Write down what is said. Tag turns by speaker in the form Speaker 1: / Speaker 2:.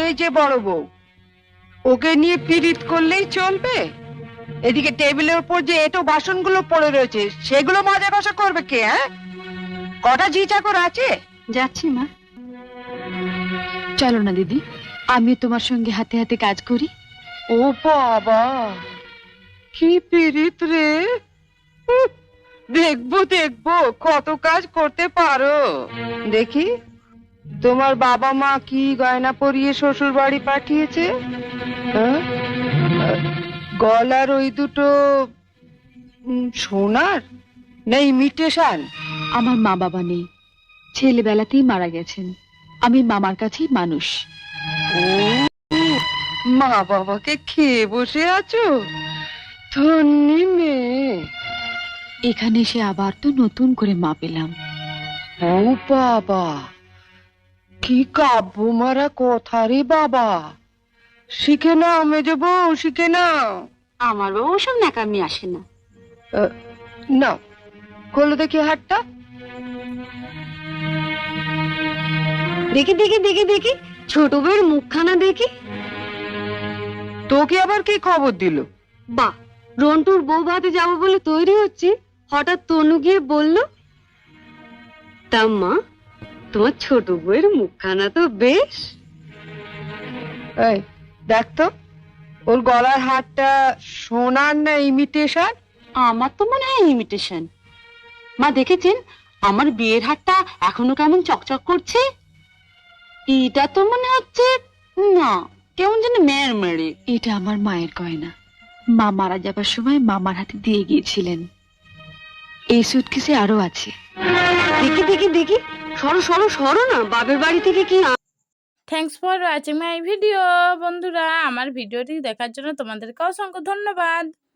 Speaker 1: ওই যে বড় বউ, ওকে নিয়ে পীড়িত করলেই চলবে? এদিকে টেবিলের উপর যে এটো বাসনগুলো পড়ে রয়েছে, সেগুলো মাজা কষা করবে কে? হ্যাঁ, কটা ঝি চাকর আছে?
Speaker 2: যাচ্ছি মা। চলো না দিদি, আমি তোমার সঙ্গে হাতে হাতে কাজ করি।
Speaker 1: ও বাবা, কি পীড়িত রে! উহ, দেখবো দেখবো কত কাজ করতে পারো। দেখি তোমার বাবা মা কি গয়না পরিয়ে শ্বশুর বাড়ি পাঠিয়েছে। হ্যাঁ? গলার ওই দুটো সোনার না ইমিটেশন?
Speaker 2: আমার মা বাবা নেই, ছেলেবেলাতেই মারা গেছেন। আমি মামার কাছেই মানুষ।
Speaker 1: ও, মা বাবাকে খেয়ে বসে আছো, ধন্যি মেয়ে।
Speaker 2: এখানে এসে আবার তো নতুন করে মা পেলাম।
Speaker 1: ও বাবা, কি কাব্য মারা কথা রে বাবা! শিখে নাও মেজো বউ, শিখে নাও।
Speaker 2: আমার বাবা ওসব ন্যাকামি আসে না।
Speaker 1: নাও, খোলো দেখি হাতটা।
Speaker 2: দেখি দেখি দেখি দেখি, ছোট বউয়ের মুখখানা দেখি।
Speaker 1: তোকে আবার কি খবর দিল?
Speaker 2: বাহ, রন্টুর বউ ভাতে যাবো বলে তৈরি হচ্ছে, হঠাৎ তনু গিয়ে বলল, তা মা, তোমার ছোট বউয়ের মুখখানা তো বেশ।
Speaker 1: এই দেখ তো, ওর গলার হারটা সোনার না ইমিটেশন?
Speaker 2: আমার তো মনে হয় ইমিটেশন। মা দেখেছেন আমার বিয়ের হারটা এখনো কেমন চকচক করছে? এটা তো মনে হচ্ছে না, কেমন যেন মেয়ের মেরে। এটা আমার মায়ের গয়না, মা মারা যাবার সময় মামার হাতে দিয়ে গিয়েছিলেন। এই সুটকেসে আরো আছে। দেখি দেখি দেখি, সরো সরো সরো না, বাবের বাড়ি থেকে কি।
Speaker 3: Thanks for watching my video. বন্ধুরা, আমার ভিডিওটি দেখার জন্য তোমাদেরকে অসংখ্য ধন্যবাদ।